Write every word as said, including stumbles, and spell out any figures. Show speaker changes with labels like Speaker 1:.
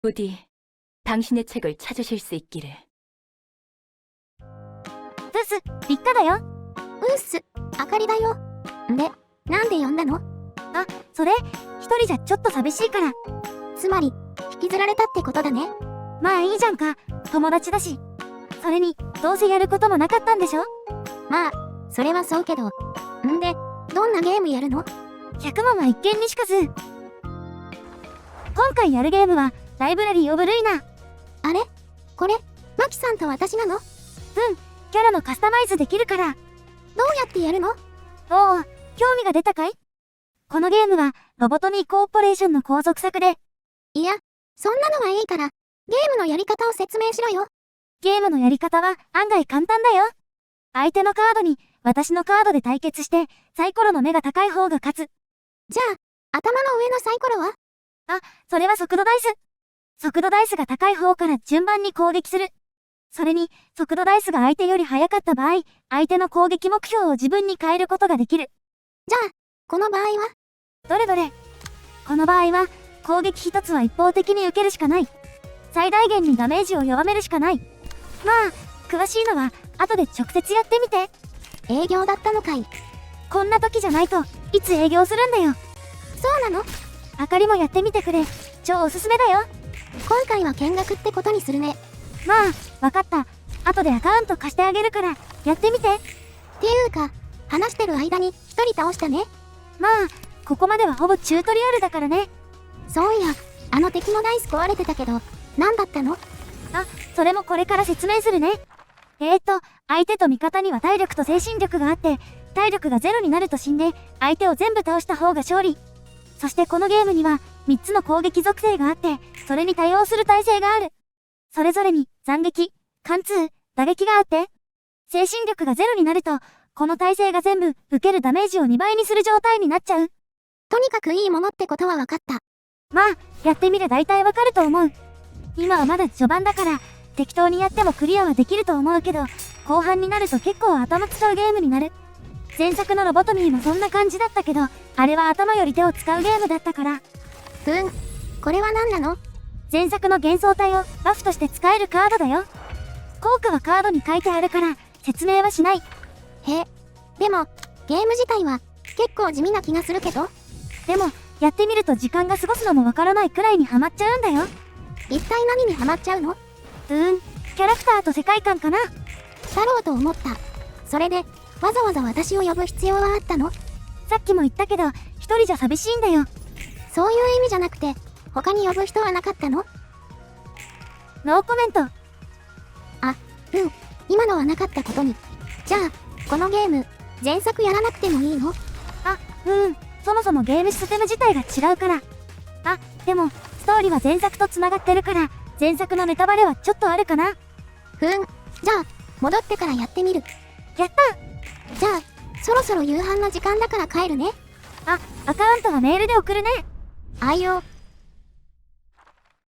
Speaker 1: 부디 당신의 책을 찾으실 수 있기를.
Speaker 2: ブス、ビッカだよ。うっす、あかりだよ。で、なんで呼んだの？あ、それ、一人じゃちょっと寂しいから。つまり、引きずられたってことだね。まあいいじゃんか、友達だし。それに、どうせやることもなかったんでしょ？まあ、それはそうけど。んで、どんなゲームやるの？百問は一見にしかず。今回やるゲームは、ライブラリー・オブ・ルイナ。あれ？これ、マキさんと私なの？うん、キャラのカスタマイズできるから。どうやってやるの？おお、興味が出たかい？このゲームは、ロボトミーコーポレーションの後続作で。いや、そんなのはいいから、ゲームのやり方を説明しろよ。ゲームのやり方は案外簡単だよ。相手のカードに私のカードで対決して、サイコロの目が高い方が勝つ。じゃあ、頭の上のサイコロは？あ、それは速度ダイス。速度ダイスが高い方から順番に攻撃する。それに、速度ダイスが相手より速かった場合、相手の攻撃目標を自分に変えることができる。じゃあ、この場合は？どれどれ？この場合は、攻撃一つは一方的に受けるしかない。最大限にダメージを弱めるしかない。まあ、詳しいのは、後で直接やってみて。営業だったのかい。こんな時じゃないといつ営業するんだよ。そうなの？あかりもやってみてくれ。超おすすめだよ。今回は見学ってことにするね。まあわかった。後でアカウント貸してあげるからやってみて。っていうか話してる間に一人倒したね。まあここまではほぼチュートリアルだからね。そういや、あの敵のダイス壊れてたけど何だったの？あ、それもこれから説明するね。えーっと、相手と味方には体力と精神力があって、体力がゼロになると死んで、相手を全部倒した方が勝利。そしてこのゲームには、みっつの攻撃属性があって、それに対応する耐性がある。それぞれに、斬撃、貫通、打撃があって、精神力がゼロになると、この耐性が全部、受けるダメージをにばいにする状態になっちゃう。とにかくいいものってことは分かった。まあ、やってみれ大体わかると思う。今はまだ序盤だから、適当にやってもクリアはできると思うけど、後半になると結構頭使うゲームになる。前作のロボトミーもそんな感じだったけど、あれは頭より手を使うゲームだったから。ふん、これは何なの？前作の幻想体をバフとして使えるカードだよ。効果はカードに書いてあるから、説明はしない。へえ、でも、ゲーム自体は結構地味な気がするけど。でも、やってみると時間が過ごすのもわからないくらいにハマっちゃうんだよ。一体何にハマっちゃうの？うーん、キャラクターと世界観かな。だろうと思った。それで、わざわざ私を呼ぶ必要はあったの？さっきも言ったけど、一人じゃ寂しいんだよ。そういう意味じゃなくて、他に呼ぶ人はなかったの？ノーコメント。あ、うん、今のはなかったことに。じゃあ、このゲーム、前作やらなくてもいいの？あ、うん、そもそもゲームシステム自体が違うから。あ、でも、ストーリーは前作と繋がってるから、前作のネタバレはちょっとあるかな。ふん、じゃあ、戻ってからやってみる。やった！じゃあ、そろそろ夕飯の時間だから帰るね。あ、アカウントはメールで送るね。あいよ。